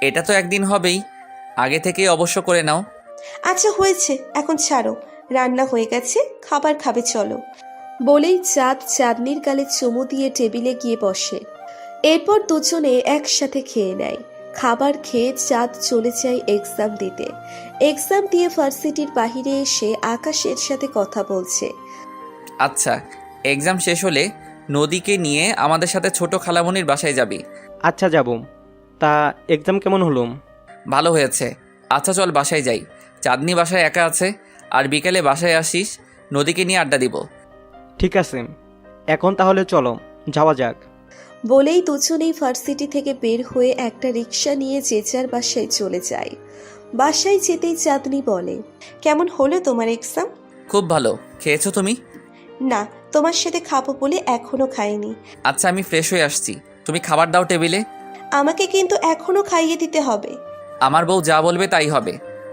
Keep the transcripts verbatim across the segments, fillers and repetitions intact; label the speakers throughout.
Speaker 1: এটা তো একদিন হবেই, আগে থেকেই অবশ্য করে নাও।
Speaker 2: আচ্ছা হয়েছে, এখন ছাড়ো, রান্না হয়ে গেছে, খাবার খাবে চলো। বলেই চাঁদ চাঁদনির গালে চুমু দিয়ে টেবিলে গিয়ে বসে। এরপর দুজনে একসাথে খেয়ে নেয়। খাবার খেয়ে চাঁদ চলে যায় এক্সাম দিতে। এক্সাম দিয়ে ভার্সিটির বাহিরে এসে আকাশের সাথে কথা বলছে।
Speaker 1: আচ্ছা, এক্সাম শেষ হলে নদীকে নিয়ে আমাদের সাথে ছোট খালামণির বাসায় যাবি।
Speaker 3: আচ্ছা যাব। তা এক্সাম কেমন হলো?
Speaker 1: ভালো হয়েছে। আচ্ছা চল বাসায় যাই, চাঁদনি বাসায় একা আছে। আর বিকেলে বাসায় আসিস, নদীকে নিয়ে আড্ডা দিব।
Speaker 3: ঠিক আছে, এখন তাহলে চলো যাওয়া যাক।
Speaker 2: বলেই দুজনেই ভার্সিটি থেকে বের হয়ে একটা রিক্সা নিয়ে যে যার বাসায় চলে যায়। বাসায় যেতেই চাঁদনি বলে, কেমন হলো তোমার এক্সাম?
Speaker 1: খুব ভালো। খেয়েছো তুমি?
Speaker 2: না, তোমার সাথে খাবো বলে এখনো খাইনি।
Speaker 1: আচ্ছা আমি ফ্রেশ হয়ে আসছি, তুমি খাবার দাও টেবিলে।
Speaker 2: আমাকে কিন্তু এখনো খাইয়ে দিতে হবে।
Speaker 1: আমার বউ যা বলবে তাই হবে।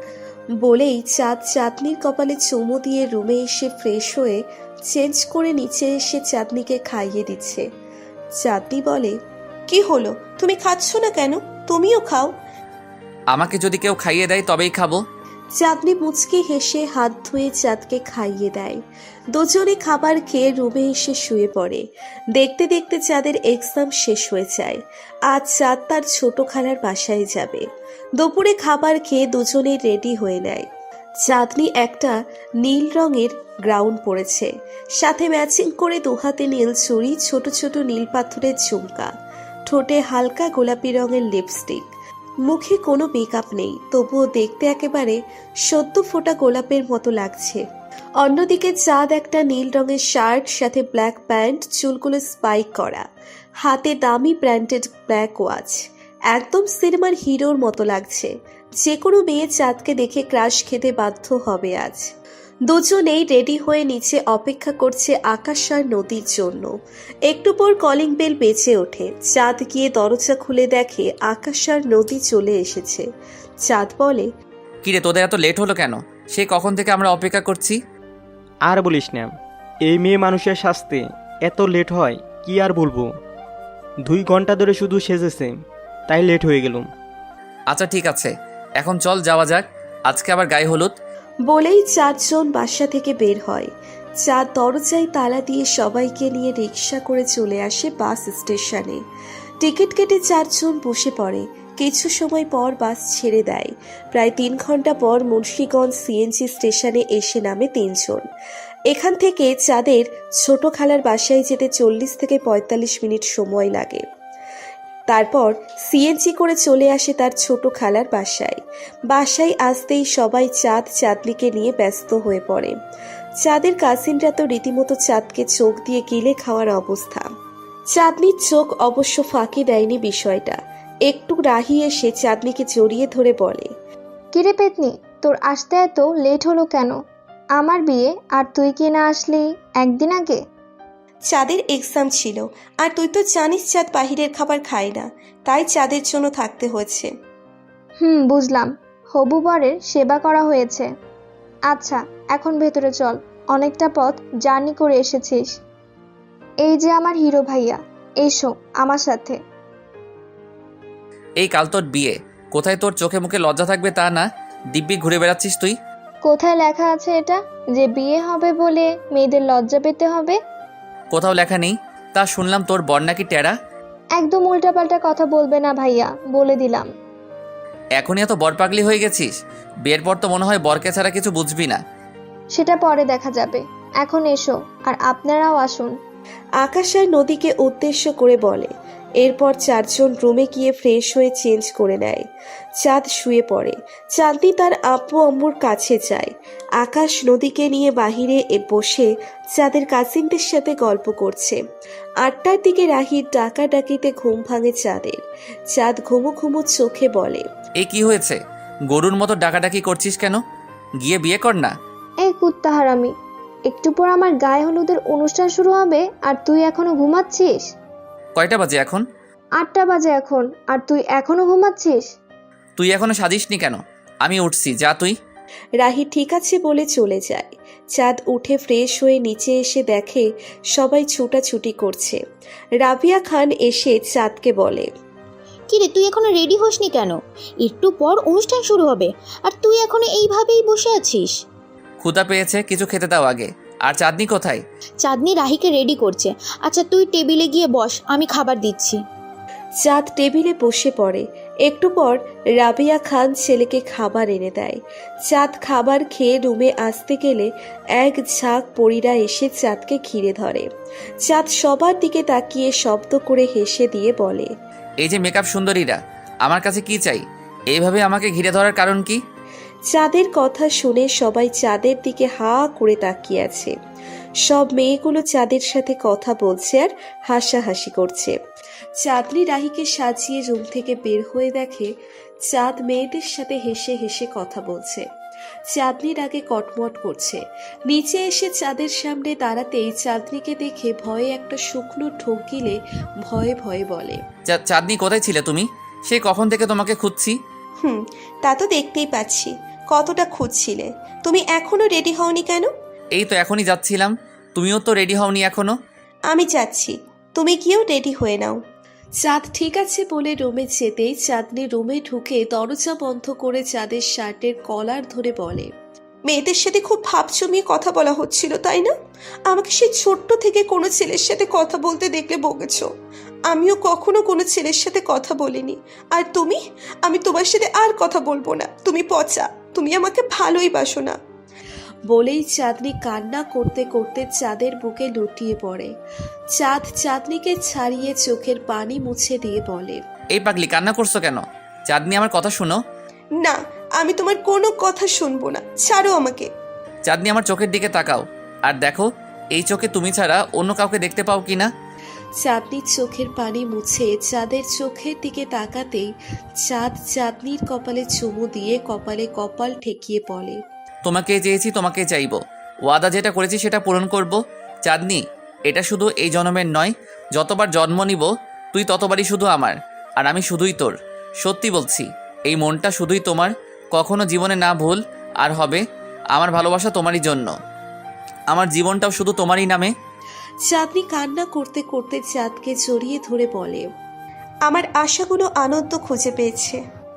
Speaker 2: বলেই চাঁদ চাঁদনির কপালে চুমু দিয়ে রুমে এসে ফ্রেশ হয়ে চেঞ্জ করে নিচে এসে চাঁদনিকে খাইয়ে দিচ্ছে। চাঁদনি বলে, কি হলো, তুমি খাচ্ছ না কেন? তুমিও খাও।
Speaker 1: আমাকে যদি কেউ খাইয়ে দেয় তবেই খাবো।
Speaker 2: চাঁদনি মুচকি হেসে হাত ধুয়ে চাঁদকে খাইয়ে দেয়। দুজনে খাবার খেয়ে রুমে এসে শুয়ে পড়ে। দেখতে দেখতে চাঁদের এক্সাম শেষ হয়ে যায়। আজ চাঁদ তার ছোট খালার বাসায় যাবে। দুপুরে খাবার খেয়ে দুজনে রেডি হয়ে নেয়। চাঁদনি একটা নীল রঙের গ্রাউন পরেছে, সাথে ম্যাচিং করে দুহাতে নীল চুড়ি, ছোট ছোট নীল পাথরের ঝুমকা, ঠোঁটে হালকা গোলাপি রঙের লিপস্টিক। মুখে কোনো মেকআপ নেই, তবুও দেখতে একেবারে সদ্য ফোটা গোলাপের মতো লাগছে। অন্যদিকে চাঁদ একটা নীল রঙের শার্ট, সাথে ব্ল্যাক প্যান্ট, চুলগুলো স্পাইক করা, হাতে দামি ব্র্যান্ডেড ব্ল্যাক ওয়াচ। একদম সিনেমার হিরোর মতো লাগছে। যে কোনো মেয়ে চাঁদকে দেখে ক্রাশ খেতে বাধ্য হবে আজ। দুজনেই রেডি হয়ে নিচে অপেক্ষা করছে আকাশ আর নদীর জন্য। একটু পর কলিং বেল বেজে ওঠে। চাঁদ গিয়ে দরজা খুলে দেখে আকাশ আর নদী চলে এসেছে। চাঁদ বলে,
Speaker 1: কিরে তোদের এত লেট হলো কেন? সে কখন থেকে আমরা অপেক্ষা করছি।
Speaker 3: আর বলিস না, এই মেয়ে মানুষের শাস্তি এত লেট হয় কি আর বলবো। দুই ঘন্টা ধরে শুধু সেজেছে, তাই লেট হয়ে গেলুম।
Speaker 1: আচ্ছা ঠিক আছে, এখন চল যাওয়া যাক, আজকে আবার গায়ে হলুদ।
Speaker 2: বলেই চারজন বাসা থেকে বের হয়। চাঁদ দরজায় তালা দিয়ে সবাইকে নিয়ে রিক্সা করে চলে আসে বাস স্টেশনে। টিকিট কেটে চারজন বসে পড়ে। কিছু সময় পর বাস ছেড়ে দেয়। প্রায় তিন ঘন্টা পর মুন্সিগঞ্জ সিএনজি স্টেশনে এসে নামে তিনজন। এখান থেকে চাঁদের ছোট খালার বাসায় যেতে চল্লিশ থেকে পঁয়তাল্লিশ মিনিট সময় লাগে। তারপর সিএনজি করে চলে আসে তার ছোট খালার বাসায়। বাসায় আসতেই সবাই চাঁদ চাঁদনিকে নিয়ে ব্যস্ত হয়ে পড়ে। চাঁদের কাজিনরা তো রীতিমতো চাঁদকে চোখ দিয়ে গিলে খাওয়ার অবস্থা। চাঁদনির চোখ অবশ্য ফাঁকি দেয়নি বিষয়টা। একটু রাহি এসে চাঁদনিকে জড়িয়ে ধরে বলে,
Speaker 4: কিরে পেতনি, তোর আসতে এত লেট হলো কেন? আমার বিয়ে আর তুই কি না আসলি একদিন আগে?
Speaker 2: চাঁদের এক্সাম ছিল, আর তুই তো জানিস চাঁদ বাহিরের খাবার খায় না, তাই চাঁদের জন্য থাকতে হয়েছে।
Speaker 4: হুম, বুঝলাম। হবু বরের সেবা করা হয়েছে। আচ্ছা এখন ভেতরে চল, অনেকটা পথ জার্নি করে এসেছিস। এই যে আমার হিরো ভাইয়া, এসো আমার সাথে।
Speaker 1: এই কাল তোর বিয়ে, কোথায় তোর চোখে মুখে লজ্জা থাকবে তা না, দিব্যি ঘুরে বেড়াচ্ছিস তুই।
Speaker 4: কোথায় লেখা আছে এটা যে বিয়ে হবে বলে মেয়েদের লজ্জা পেতে হবে?
Speaker 1: কোথাও লেখা নেই। তা শুনলাম তোর বর নাকি টেরা।
Speaker 4: একদম উল্টাপাল্টা কথা বলবে না ভাইয়া, বলে দিলাম।
Speaker 1: এখনই এত বর পাগলি হয়ে গেছিস? বিয়ের পর তো মনে হয় বরকে ছাড়া কিছু বুঝবি না।
Speaker 4: সেটা পরে দেখা যাবে, এখন এসো আর আপনারাও আসুন।
Speaker 2: আকাশ আর নদীকে উদ্দেশ্য করে বলে। এরপর চারজন রুমে গিয়ে ফ্রেশ হয়ে চেঞ্জ করে নেয়। চাঁদ শুয়ে পড়ে। চাঁদনি তার আব্বু আম্মুর কাছে যায়। আকাশ নদীকে নিয়ে বাহিরে এ বসে চাঁদের কাজিনদের সাথে গল্প করছে। আটটার দিকে রাহির ডাকা ডাকিতে ঘুম ভাঙে চাঁদের। চাঁদ ঘুমো ঘুমো চোখে বলে,
Speaker 1: এ কি হয়েছে? গরুর মতো ডাকাডাকি করছিস কেন? গিয়ে বিয়ে কর না।
Speaker 4: এই কুত্তা হারামি, একটু পর আমার গায়ে হলুদের অনুষ্ঠান শুরু হবে আর তুই এখনো ঘুমাচ্ছিস?
Speaker 1: কয়টা বাজে এখন?
Speaker 4: আটটা বাজে এখন, আর তুই এখনো ঘুমাচ্ছিস?
Speaker 1: তুই এখনো সাজিসনি কেন? আমি উঠছি, যা তুই।
Speaker 2: রাহি ঠিক আছে বলে চলে যায়। চাঁদ উঠে ফ্রেশ হয়ে নিচে এসে দেখে সবাই ছুটাছুটি করছে। রাবিয়া খান এসে চাঁদকে বলে,
Speaker 5: কিরে তুই এখনো রেডি হসনি কেন? একটু পর অনুষ্ঠান শুরু হবে আর তুই এখনো এইভাবেই বসে আছিস।
Speaker 1: ক্ষুধা পেয়েছে, কিছু খেতে দাও আগে। আর চাঁদনি কোথায়?
Speaker 5: চাঁদনি রাহিকে রেডি করছে। আচ্ছা তুই টেবিলে গিয়ে বস, আমি খাবার দিচ্ছি।
Speaker 2: চাঁদ টেবিলে বসে পড়ে। একটু পর রাবিয়া খান ছেলেকে খাবার এনে দেয়। চাঁদ খাবার খেয়ে রুমে আসতে গেলে এক ঝাঁক পরীরা এসে চাঁদকে ঘিরে ধরে। চাঁদ সবার দিকে তাকিয়ে শব্দ করে হেসে দিয়ে বলে,
Speaker 1: এই যে মেকআপ সুন্দরীরা, আমার কাছে কি চাই? এইভাবে আমাকে ঘিরে ধরার কারণ কি?
Speaker 2: চাঁদের কথা শুনে সবাই চাঁদের দিকে হা করে তাকিয়ে আছে। সব মেয়েগুলো চাঁদের সাথে কথা বলছে আর হাসাহাসি করছে। চাঁদনি রাহিকে সাজিয়ে রুম থেকে বের হয়ে দেখে চাঁদ মেয়েদের সাথে হেসে হেসে কথা বলছে। চাঁদনির আগে কটমট করছে। নিচে এসে চাঁদের সামনে দাঁড়াতেই চাঁদনিকে দেখে ভয়ে একটা শুকনো ঢোক গিলে ভয়ে ভয়ে বলে,
Speaker 1: চা- চাঁদনি কোথায় ছিলে তুমি? সেই কখন থেকে তোমাকে খুঁজছি।
Speaker 2: হুম তা তো দেখতেই পাচ্ছি, কতটা খুঁজছিলে। তুমি এখনো রেডি হওনি কেন?
Speaker 1: এই তো এখনই যাচ্ছিলাম, তুমিও তো রেডি হওনি এখনো।
Speaker 2: আমি যাচ্ছি, তুমি গিয়েও রেডি হয়ে নাও। চাঁদ ঠিক আছে বলে রুমে যেতেই চাঁদনি রুমে ঢুকে দরজা বন্ধ করে চাঁদের শার্টের কলার ধরে বলে, মেয়েদের সাথে খুব ভাব জমিয়ে কথা বলা হচ্ছিল তাই না? আমাকে সেই ছোট্ট থেকে কোনো ছেলের সাথে কথা বলতে দেখলে বকেছ। আমিও কখনো কোনো ছেলের সাথে কথা বলিনি। আর তুমি, আমি তোমার সাথে আর কথা বলবো না। তুমি পচা, তুমি আমাকে ভালোই বাসো না। বলেই চাঁদনি কান্না করতে করতে চাঁদের বুকে লুটিয়ে পড়ে। চাঁদ চাঁদনিকে ছাড়িয়ে চোখের পানি মুছে দিয়ে বলে,
Speaker 1: এই পাগলি কান্না করছো কেন? চাঁদনি আমার কথা শুনো।
Speaker 2: না, আমি তোমার কোনো কথা শুনবো না, ছাড়ো আমাকে।
Speaker 1: চাঁদনি আমার চোখের দিকে তাকাও আর দেখো এই চোখে তুমি ছাড়া অন্য কাউকে দেখতে পাও কিনা।
Speaker 2: চাঁদনির চোখের পানি মুছে চাঁদের চোখের দিকে তাকাতেই চাঁদ চাঁদনির কপালে চুমু দিয়ে কপালে কপাল ঠেকিয়ে বলে,
Speaker 1: তোমাকে চেয়েছি, তোমাকে চাইবো। ওয়াদা যেটা করেছি সেটা পূরণ করব। চাঁদনি, এটা শুধু এই জন্মের নয়, যতবার জন্ম নিব তুই ততবারই শুধু আমার, আর আমি শুধুই তোর। সত্যি বলছি, এই মনটা শুধুই তোমার, কখনো জীবনে না ভুল আর হবে। আমার ভালোবাসা তোমারই জন্য, আমার জীবনটাও শুধু তোমারই নামে।
Speaker 2: চাঁদনি কান্না করতে করতে চাঁদকে জড়িয়ে ধরে বলে, আমার আশাগুলো আনন্দ খুঁজে পেয়েছে।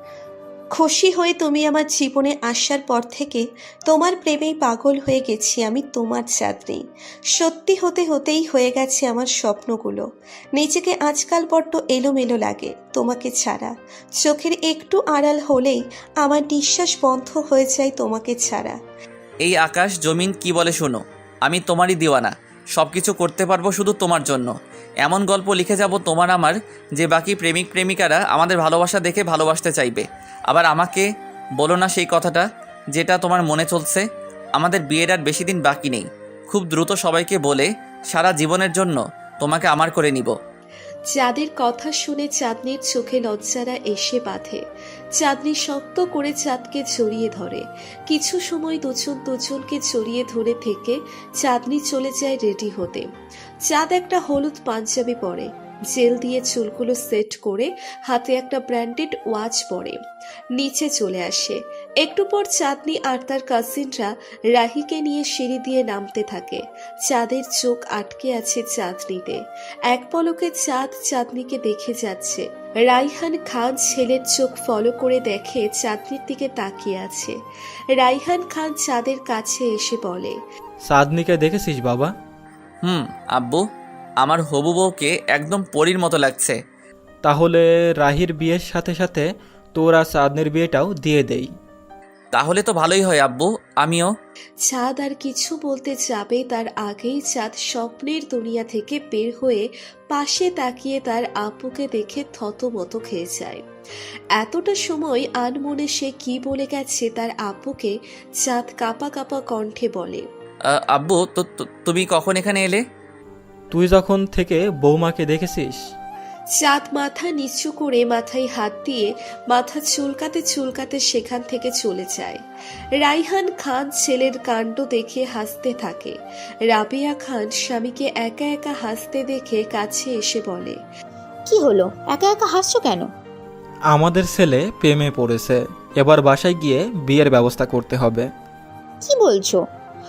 Speaker 2: খুশি হয়ে তুমি আমার জীবনে আসার পর থেকে তোমার প্রেমেই পাগল হয়ে গেছি আমি। তোমার চাঁদনি, সত্যি হতে হতেই হয়ে গেছে আমার স্বপ্নগুলো। নিজেকে আজকাল বড্ড এলোমেলো লাগে তোমাকে ছাড়া। চোখের একটু আড়াল হলেই আমার নিঃশ্বাস বন্ধ হয়ে যায় তোমাকে ছাড়া।
Speaker 1: এই আকাশ জমিন কি বলে শোনো, আমি তোমারই দিওয়ানা, সব কিছু করতে পারবো শুধু তোমার জন্য। এমন গল্প লিখে যাব তোমার আমার, যে বাকি প্রেমিক প্রেমিকারা আমাদের ভালোবাসা দেখে ভালোবাসতে চাইবে। আবার আমাকে বলো না সেই কথাটা যেটা তোমার মনে চলছে। আমাদের বিয়ের আর বেশি দিন বাকি নেই, খুব দ্রুত সবাইকে বলে সারা জীবনের জন্য তোমাকে আমার করে নিব।
Speaker 2: চাঁদের কথা শুনে চাঁদনির চোখে লজ্জারা এসে বাঁধে। চাঁদনি শক্ত করে চাঁদকে জড়িয়ে ধরে। কিছু সময় দুজন দুজনকে জড়িয়ে ধরে থেকে চাঁদনি চলে যায় রেডি হতে। চাঁদ একটা হলুদ পাঞ্জাবি পরে, জেল দিয়ে চুলগুলো সেট করে হাতে একটা ব্র্যান্ডেড ওয়াচ পরে নিচে চলে আসে। একটু পর চাঁদনি আর তার কাজিনরা রাহিকে নিয়ে সিঁড়ি দিয়ে নামতে থাকে। চাঁদের চোখ আটকে আছে চাঁদনিতে। এক পলকে চাঁদ চাঁদনিকে দেখে যাচ্ছে। রাইহান খান ছেলের চোখ ফলো করে দেখে চাঁদনির দিকে তাকিয়ে আছে। রাইহান খান চাঁদের কাছে এসে বলে,
Speaker 6: চাঁদনিকে দেখেছিস বাবা?
Speaker 1: হুম আব্বু, আমার হবু বউকে একদম পরীর মতো লাগছে।
Speaker 6: তাহলে রাহির বিয়ের সাথে সাথে তোর আর চাঁদনির বিয়েটাও দিয়ে দেই।
Speaker 1: তাহলে তো ভালোই হয় আব্বু, আমিও।
Speaker 2: চাঁদ আর কিছু বলতে যাবে তার আগেই চাঁদ স্বপ্নের দুনিয়া থেকে বের হয়ে পাশে তাকিয়ে তার আপুকে দেখে থতমত খেয়ে যায়। এতটা সময় আনমনে সে কি বলে গেছে তার আপুকে চাঁদ কাঁপা কাঁপা কণ্ঠে বলে,
Speaker 1: আহ, আব্বু তো তো- তুমি কখন এখানে এলে?
Speaker 6: তুই যখন থেকে বৌমাকে দেখেছিস।
Speaker 2: চাঁদ মাথা নিচু করে মাথায় হাত দিয়ে মাথা চুলকাতে চুলকাতে সেখান থেকে চলে যায়। রাইহান খান ছেলের কাণ্ড দেখে হাসতে থাকে। রাবিয়া খান স্বামীকে একা একা হাসতে দেখে কাছে এসে বলে,
Speaker 5: কি হলো, একা একা হাসছো কেন?
Speaker 6: আমাদের ছেলে প্রেমে পড়েছে, এবার বাসায় গিয়ে বিয়ের ব্যবস্থা করতে হবে।
Speaker 5: কি বলছো?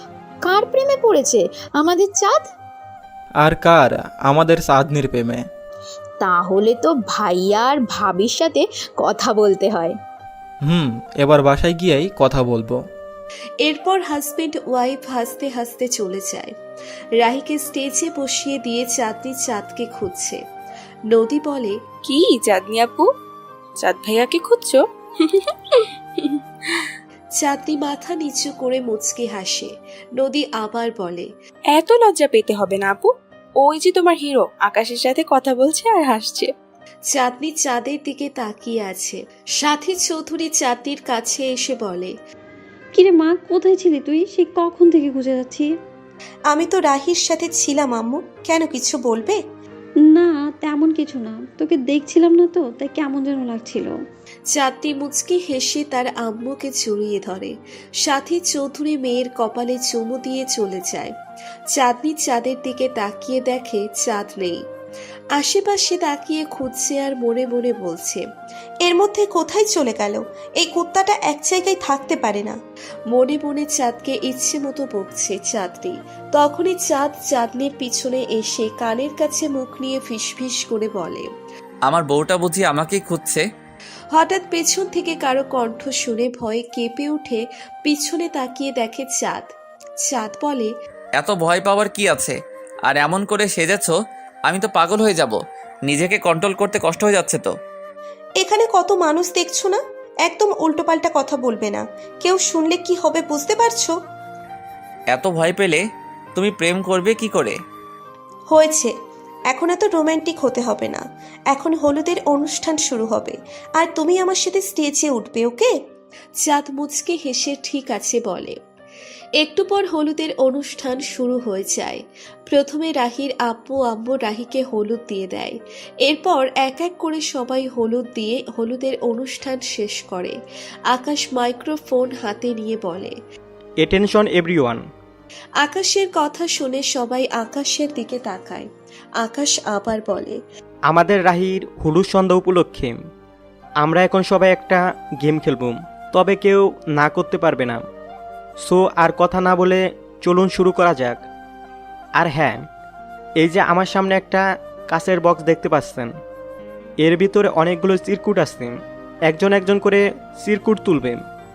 Speaker 5: কার প্রেমে পড়েছে? আমাদের চাঁদ?
Speaker 6: আর কার? আমাদের চাঁদনির প্রেমে।
Speaker 5: তাহলে তো ভাইয়া আর ভাবির সাথে কথা বলতে হয়।
Speaker 6: হুম, এবার বাসায় গিয়েই কথা বলবো।
Speaker 2: এরপর হাজবেন্ড ওয়াইফ হাসতে হাসতে চলে যায়। রাহিকে স্টেজে বসিয়ে দিয়ে চাঁদনি চাঁদকে খুঁজছে। নদী বলে,
Speaker 7: কি চাঁদনি আপু, চাঁদ ভাইয়াকে খুঁজছো?
Speaker 2: চাঁদনি মাথা নিচু করে মুচকে হাসে। নদী আবার বলে,
Speaker 7: এত লজ্জা পেতে হবে না আপু, ওই যে তোমার হিরো আকাশের সাথে কথা বলছে আর হাসছে।
Speaker 2: চাঁদনি চাঁদের দিকে তাকিয়ে আছে। সাথী চৌধুরী চাঁদনির কাছে এসে বলে,
Speaker 8: কিরে মা, কোথায় ছিলি তুই? সে কখন থেকে খুঁজে যাচ্ছি।
Speaker 2: আমি তো রাহির সাথে ছিলাম আম্মু, কেন কিছু বলবে?
Speaker 8: না তেমন কিছু না, তোকে দেখছিলাম না তো, তাই কেমন যেন লাগছিল।
Speaker 2: চাঁদনি মুচকি হেসে তার আম্মুকে জড়িয়ে ধরে। সাথী চৌধুরী মেয়ের কপালে চুমু দিয়ে চলে যায়। চাঁদনি চাঁদের দিকে তাকিয়ে দেখে চাঁদ নেই। আশেপাশে তাকিয়ে খুঁজছে আর মনে মনে বলছে, এর মধ্যে কোথায় চলে গেল? এই কুত্তাটা এক জায়গায় থাকতে পারে না। মনে মনে চাঁদকে ইচ্ছে মতো বকছে চাঁদনি। তখনই চাঁদ চাঁদনির পিছনে এসে কানের কাছে মুখ নিয়ে ফিসফিস করে বলে,
Speaker 1: আমার বউটা বুঝি আমাকেই খুঁজছে।
Speaker 2: হঠাৎ পেছন থেকে কারো কণ্ঠ শুনে ভয়ে কেঁপে উঠে পিছনে তাকিয়ে দেখে চাঁদ। চাঁদ বলে,
Speaker 1: এত ভয় পাওয়ার কি আছে? আর এমন করে সেজেছ, আমি তো পাগল হয়ে যাব। নিজেকে কন্ট্রোল করতে কষ্ট হয়ে যাচ্ছে তো।
Speaker 2: এখানে কত মানুষ দেখছো না? একদম উল্টোপাল্টা কথা বলবে না, কেউ শুনলে কি হবে বুঝতে পারছো?
Speaker 1: এত ভয় পেলে তুমি প্রেম করবে কি করে?
Speaker 2: হয়েছে, এখন এত রোমান্টিক হতে হবে না। এখন হলুদের অনুষ্ঠান শুরু হবে আর তুমি আমার সাথে স্টেজে উঠবে, ওকে? চাঁদ মুচকে হেসে ঠিক আছে বলে। একটু পর হলুদের অনুষ্ঠান শুরু হয়ে যায়। প্রথমে রাহির আব্বু আম্মু রাহিকে হলুদ দিয়ে দেয়। এরপর এক এক করে সবাই হলুদ দিয়ে হলুদের অনুষ্ঠান শেষ করে। আকাশ মাইক্রোফোন হাতে নিয়ে বলে,
Speaker 3: অ্যাটেনশন এভরিওয়ান।
Speaker 2: আকাশের কথা শুনে সবাই আকাশের দিকে তাকায়। আকাশ আবার বলে,
Speaker 3: আমাদের রাহির হলুদ সন্ধ্যা উপলক্ষে আমরা এখন সবাই একটা গেম খেলব, তবে কেউ না করতে পারবে না। সো আর কথা না বলে চলুন শুরু করা যাক। আর হ্যাঁ, এই যে আমার সামনে একটা কাঁচের বক্স দেখতে পাচ্ছেন, এর ভিতরে অনেকগুলো চিরকুট আছে। একজন একজন করে চিরকুট তুলবে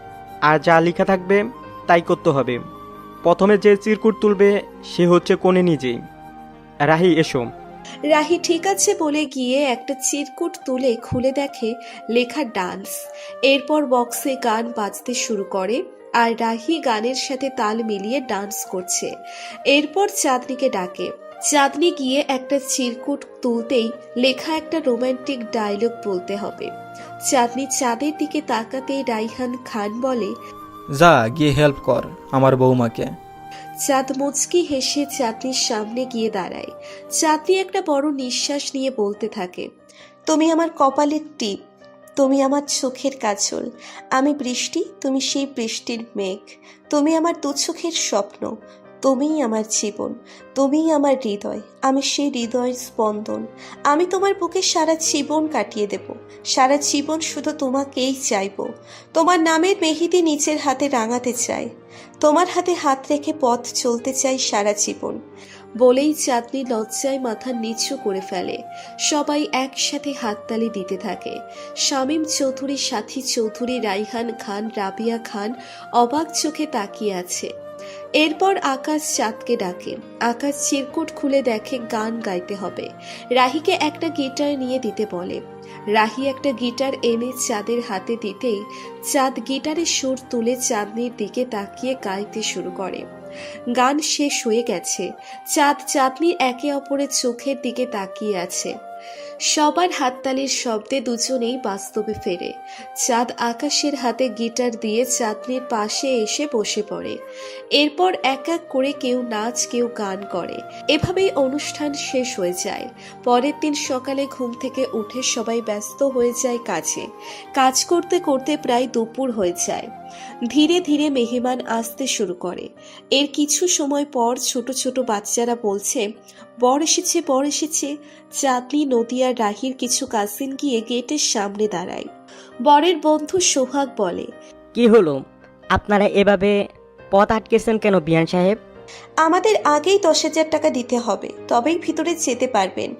Speaker 3: আর যা লেখা থাকবে তাই করতে হবে। প্রথমে যে চিরকুট তুলবে সে হচ্ছে কোণে নিজেই। রাহি এসো।
Speaker 2: রাহি ঠিক আছে বলে গিয়ে একটা চিরকুট তুলে খুলে দেখে লেখা ডান্স। এরপর বক্সে গান বাজতে শুরু করে আর রাহি গানের সাথে তাল মিলিয়ে ডান্স করছে। এরপর চাঁদনিকে ডাকে। চাঁদনি গিয়ে একটা চিরকুট তুলতেই লেখা একটা রোমান্টিক ডায়লগ বলতে হবে। চাঁদনি চাঁদের দিকে তাকাতেই রাইহান খান বলে,
Speaker 6: যা গিয়ে হেল্প কর আমার বৌমাকে।
Speaker 2: চাঁদ মুচকি হেসে চাঁদনির সামনে গিয়ে দাঁড়ায়। চাঁদনি একটা বড় নিঃশ্বাস নিয়ে বলতে থাকে, তুমি আমার কপালের টিপ, তুমি আমার চোখের কাজল, আমি বৃষ্টি, তুমি সেই বৃষ্টির মেঘ, তুমি আমার দু চোখের স্বপ্ন, তুমিই আমার জীবন, তুমিই আমার হৃদয়, আমি সেই হৃদয়ের স্পন্দন। আমি তোমার বুকে সারা জীবন কাটিয়ে দেব, সারা জীবন শুধু তোমাকেই চাইব। তোমার নামের মেহেদি নিচের হাতে রাঙাতে চাই, তোমার হাতে হাত রেখে পথ চলতে চাই সারা জীবন। বলেই চাঁদনি লজ্জায় মাথা নিচু করে ফেলে। সবাই একসাথে হাততালি দিতে থাকে। শামীম চৌধুরী, সাথী চৌধুরী, রাইহান খান, রাবিয়া খান অবাক চোখে তাকিয়ে আছে। এরপর আকাশ চাঁদকে ডাকে। আকাশ চিরকুট খুলে দেখে গান গাইতে হবে। রাহিকে একটা গিটার নিয়ে দিতে বলে। রাহি একটা গিটার এনে চাঁদের হাতে দিতেই চাঁদ গিটারের সুর তুলে চাঁদনির দিকে তাকিয়ে গাইতে শুরু করে। গান শেষ হয়ে গেছে। চাঁদ চাঁদনির একে অপরের চোখের দিকে তাকিয়ে আছে। সবার হাততালির শব্দে দুজনেই বাস্তবে ফেরে। চাঁদ আকাশের হাতে গিটার দিয়ে চাঁদনির পাশে এসে বসে পড়ে। এরপর এক এক করে কেউ নাচ, কেউ গান করে। এভাবেই অনুষ্ঠান শেষ হয়ে যায়। পরের দিন সকালে ঘুম থেকে উঠে সবাই ব্যস্ত হয়ে যায় কাজে। কাজ করতে করতে প্রায় দুপুর হয়ে যায়। ধীরে ধীরে মেহমান আসতে শুরু করে। এর কিছু সময় পর ছোট ছোট বাচ্চারা বলছে, বর এসেছে, বর এসেছে। চাঁদনি, নদী আর রাহির কিছু কাজিন গিয়ে গেটের সামনে দাঁড়ায়। বরের বন্ধু সোহাগ বলে,
Speaker 9: কি হলো, আপনারা এভাবে পথ আটকেছেন কেন বিয়ান সাহেব?
Speaker 2: আমাদের আগেই দশ হাজার টাকা দিতে হবে, তবেই ভিতরে যেতে পারবেন।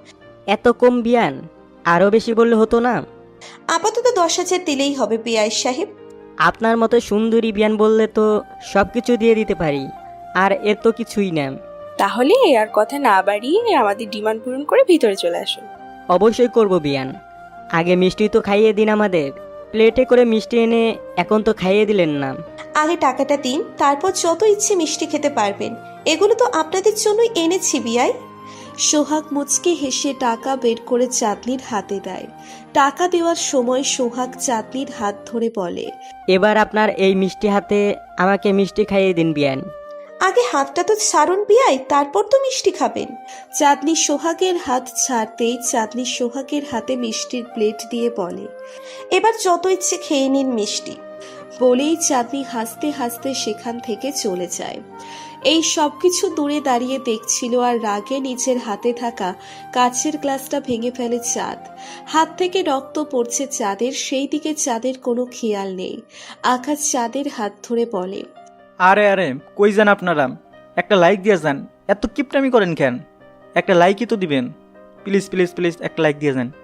Speaker 9: এত কম বিয়ান? আরও বেশি বললে হতো না?
Speaker 2: আপাতত দশ হাজার দিলেই হবে বিআই সাহেব।
Speaker 9: আপনার মতো সুন্দরী বিয়ান বললে তো সব কিছু দিয়ে দিতে পারি, আর এর তো কিছুই না।
Speaker 7: তাহলে আর কথা না বাড়িয়ে আমাদের ডিমান্ড পূরণ করে ভিতরে চলে আসুন।
Speaker 9: অবশ্যই করব বিয়ান। আগে মিষ্টি তো খাইয়ে দিন আমাদের। প্লেটে করে মিষ্টি এনে এখন তো খাইয়ে দিলেন না।
Speaker 2: আগে টাকাটা দিন, তারপর যত ইচ্ছে মিষ্টি খেতে পারবেন। এগুলো তো আপনাদের জন্যই এনেছি বিআই। সোহাগ মুচকি হেসে টাকা বের করে চাঁদনির হাতে দেয়। টাকা দেওয়ার সময় সোহাগ চাঁদনির হাত ধরে বলে,
Speaker 9: এবার আপনার এই মিষ্টি হাতে আমাকে মিষ্টি খাইয়ে দিন বিয়ান।
Speaker 2: আগে হাতটা তো ছাড়ুন বিআই, তারপর তো মিষ্টি খাবেন। চাঁদনি সোহাগের হাত ছাড়তেই চাঁদনি সোহাগের হাতে মিষ্টির প্লেট দিয়ে বলে, এবার যত ইচ্ছে খেয়ে নিন মিষ্টি। বলেই চাঁদনি হাসতে হাসতে সেখান থেকে চলে যায়। এই সব কিছু দূরে দাঁড়িয়ে দেখছিল আর রাগে নিজের হাতে থাকা কাচের গ্লাসটা ভেঙে ফেলে চাঁদ। হাত থেকে রক্ত পড়ছে চাঁদের, সেই দিকে চাঁদের কোনো খেয়াল নেই। আকাশ চাঁদের হাত ধরে বলে,
Speaker 10: আরে আরে কই যান আপনারা? একটা লাইক দিয়ে যান, এত কিপটামি করেন কেন? একটা লাইকই তো দিবেন, প্লিজ প্লিজ প্লিজ একটা লাইক দিয়ে যান।